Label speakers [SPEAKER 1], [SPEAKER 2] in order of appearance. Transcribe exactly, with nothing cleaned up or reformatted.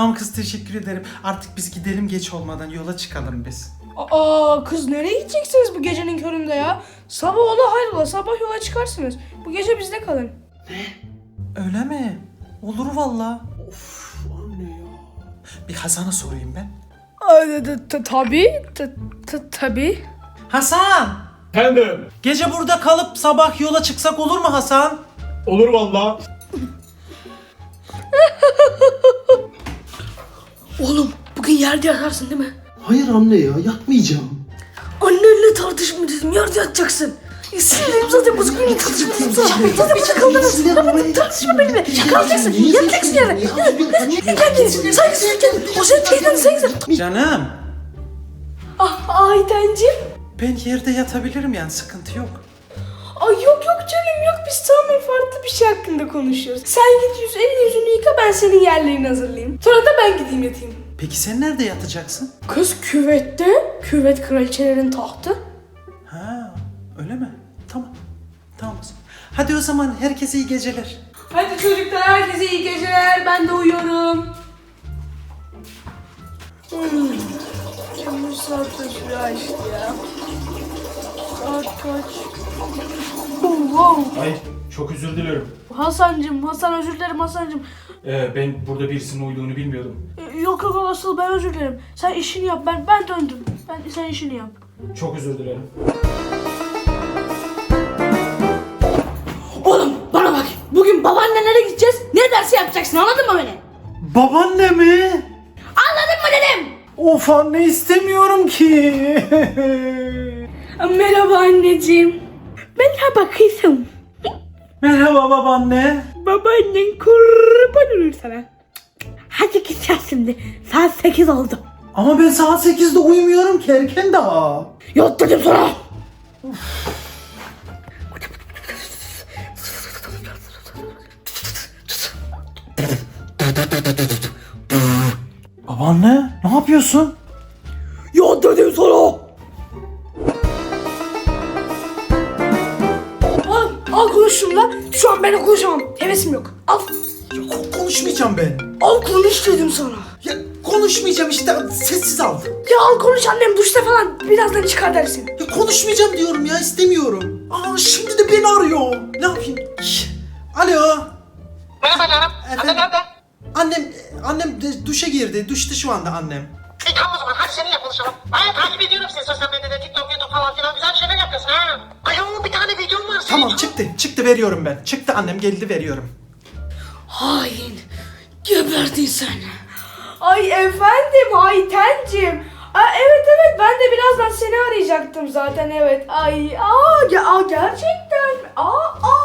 [SPEAKER 1] Tamam kız, teşekkür ederim. Artık biz gidelim, geç olmadan yola çıkalım biz.
[SPEAKER 2] Aa kız, nereye gideceksiniz bu gecenin köründe ya? Sabah ola hayrola, sabah yola çıkarsınız. Bu gece bizde kalın.
[SPEAKER 1] Öyle mi? Olur valla.
[SPEAKER 3] Of anne ya.
[SPEAKER 1] Bir Hasan'a sorayım ben.
[SPEAKER 2] Tabii, tabii.
[SPEAKER 1] Hasan!
[SPEAKER 3] Efendim.
[SPEAKER 1] Gece burada kalıp sabah yola çıksak olur mu Hasan?
[SPEAKER 3] Olur valla.
[SPEAKER 2] Oğlum, bugün yerde yatarsın değil mi?
[SPEAKER 3] Hayır anne ya, yatmayacağım.
[SPEAKER 2] Annenle tartışma dedim, yerde yatacaksın. Sinirlerim zaten bozuk, benimle tartışma dedim sana. Zaten bir çakaldınız. Hemen tartışma benimle. Kalacaksın, yatacaksın yere. Gel gel, saygısız gel. O senin teyzen saygısız.
[SPEAKER 1] Canım,
[SPEAKER 2] Ah Aytenciğim.
[SPEAKER 1] ben yerde yatabilirim yani, sıkıntı yok.
[SPEAKER 2] Ay yok yok canım yok, biz tamamen farklı bir şey hakkında konuşuyoruz. Sen git yüz elli yüzünü yıka, ben senin yerlerini hazırlayayım. Sonra da ben gideyim yatayım.
[SPEAKER 1] Peki sen nerede yatacaksın?
[SPEAKER 2] Kız küvette, küvet kraliçelerin tahtı.
[SPEAKER 1] Ha, öyle mi? Tamam. Tamam. Hadi o zaman herkese iyi geceler.
[SPEAKER 2] Hadi çocuklar, herkese iyi geceler, ben de uyuyorum. Hmm. Bu saat kaç açtı ya? Saat kaç? Oh, wow.
[SPEAKER 4] Ay çok özür dilerim.
[SPEAKER 2] Hasancım, Hasan özür dilerim Hasancım.
[SPEAKER 4] Ee, ben burada birisinin uyuduğunu bilmiyordum.
[SPEAKER 2] Ee, Yok yok asıl ben özür dilerim. Sen işini yap, ben ben döndüm. Ben sen işini yap.
[SPEAKER 4] Çok özür dilerim.
[SPEAKER 2] Oğlum bana bak. Bugün babaannelere gideceğiz. Ne dersi yapacaksın, anladın mı beni?
[SPEAKER 1] Babaanne mi?
[SPEAKER 2] Anladın mı dedim?
[SPEAKER 1] Of anne, istemiyorum ki.
[SPEAKER 2] Merhaba anneciğim. Merhaba kızım.
[SPEAKER 1] Merhaba babaanne.
[SPEAKER 2] Babaannen kurban olur sana. Hadi git yat şimdi. Saat sekiz oldu.
[SPEAKER 1] Ama ben saat sekizde uyumuyorum ki, erken daha.
[SPEAKER 2] Yat dedim sana.
[SPEAKER 1] Babaanne, ne yapıyorsun?
[SPEAKER 2] Yat dedim sana. Al, al konuş şunla. Şu an ben konuşamam. Hevesim yok. Al.
[SPEAKER 1] Ya, ko- konuşmayacağım ben.
[SPEAKER 2] Al konuş dedim sana.
[SPEAKER 1] Ya konuşmayacağım işte, sessiz al.
[SPEAKER 2] Ya al konuş, annem duşta falan. Birazdan çıkar dersin.
[SPEAKER 1] Ya konuşmayacağım diyorum ya, istemiyorum. Aa, şimdi de beni arıyor. Ne yapayım? Şş, Alo.
[SPEAKER 5] Merhaba canım. Anne nerede?
[SPEAKER 1] Annem, annem de duşa girdi. Duşta şu anda annem.
[SPEAKER 5] İyi tamam o zaman hadi seninle konuşalım. Ay takip ediyorum seni sosyal medyada, TikTok, YouTube falan filan güzel şeyler yapıyorsun ha. Ayol bir tane videom var senin.
[SPEAKER 1] Tamam, çıktı. Çıktı, veriyorum ben. Çıktı annem, geldi, veriyorum.
[SPEAKER 2] Hain. Geberdin sen. Ay efendim Aytencim. Aa, evet evet, ben de birazdan seni arayacaktım zaten, evet. Ay aa, ge- aa gerçekten mi? Aa, aa